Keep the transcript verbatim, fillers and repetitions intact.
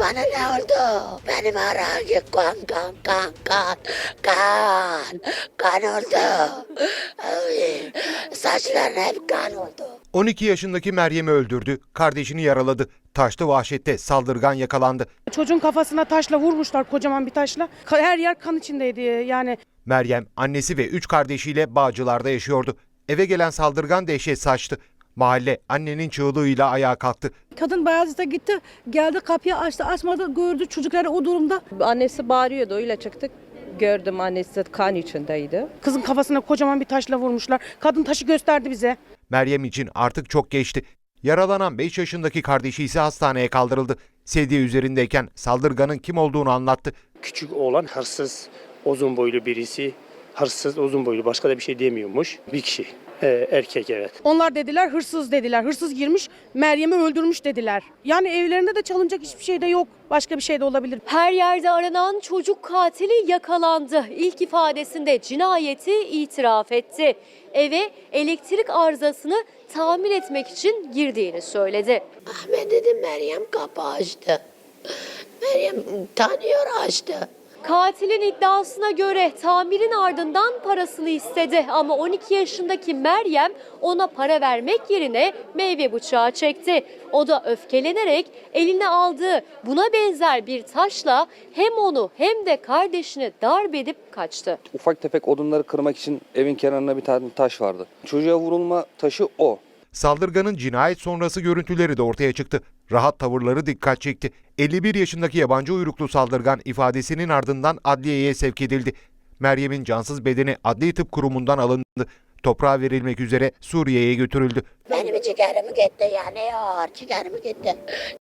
Bana ne oldu? Benim herhangi kan kan kan kan kan kan oldu. Ay, saçlarım hep kan oldu. on iki yaşındaki Meryem'i öldürdü, kardeşini yaraladı. Taşlı vahşette saldırgan yakalandı. Çocuğun kafasına taşla vurmuşlar, kocaman bir taşla. Ka- Her yer kan içindeydi yani. Meryem annesi ve üç kardeşiyle Bağcılar'da yaşıyordu. Eve gelen saldırgan dehşet saçtı. Mahalle annenin çığlığıyla ayağa kalktı. Kadın Beyazıt'a gitti, geldi kapıyı açtı, açmadı, gördü çocukları o durumda. Annesi bağırıyordu, öyle çıktık. Gördüm, annesi kan içindeydi. Kızın kafasına kocaman bir taşla vurmuşlar. Kadın taşı gösterdi bize. Meryem için artık çok geçti. Yaralanan beş yaşındaki kardeşi ise hastaneye kaldırıldı. Sedye üzerindeyken saldırganın kim olduğunu anlattı. Küçük oğlan hırsız, uzun boylu birisi. Hırsız, uzun boylu, başka da bir şey demiyormuş. Bir kişi, ee, erkek evet. Onlar dediler hırsız dediler. Hırsız girmiş, Meryem'i öldürmüş dediler. Yani evlerinde de çalınacak hiçbir şey de yok. Başka bir şey de olabilir. Her yerde aranan çocuk katili yakalandı. İlk ifadesinde cinayeti itiraf etti. Eve elektrik arızasını tamir etmek için girdiğini söyledi. Ahmet dedim, Meryem kapı açtı. Meryem tanıyor, açtı. Katilin iddiasına göre tamirin ardından parasını istedi ama on iki yaşındaki Meryem ona para vermek yerine meyve bıçağı çekti. O da öfkelenerek eline aldığı buna benzer bir taşla hem onu hem de kardeşini darp edip kaçtı. Ufak tefek odunları kırmak için evin kenarında bir tane taş vardı. Çocuğa vurulma taşı o. Saldırganın cinayet sonrası görüntüleri de ortaya çıktı. Rahat tavırları dikkat çekti. elli bir yaşındaki yabancı uyruklu saldırgan ifadesinin ardından adliyeye sevk edildi. Meryem'in cansız bedeni Adli Tıp Kurumu'ndan alındı. Toprağa verilmek üzere Suriye'ye götürüldü. Benim ciğerimi gitti, yanıyor. Ciğerimi gitti.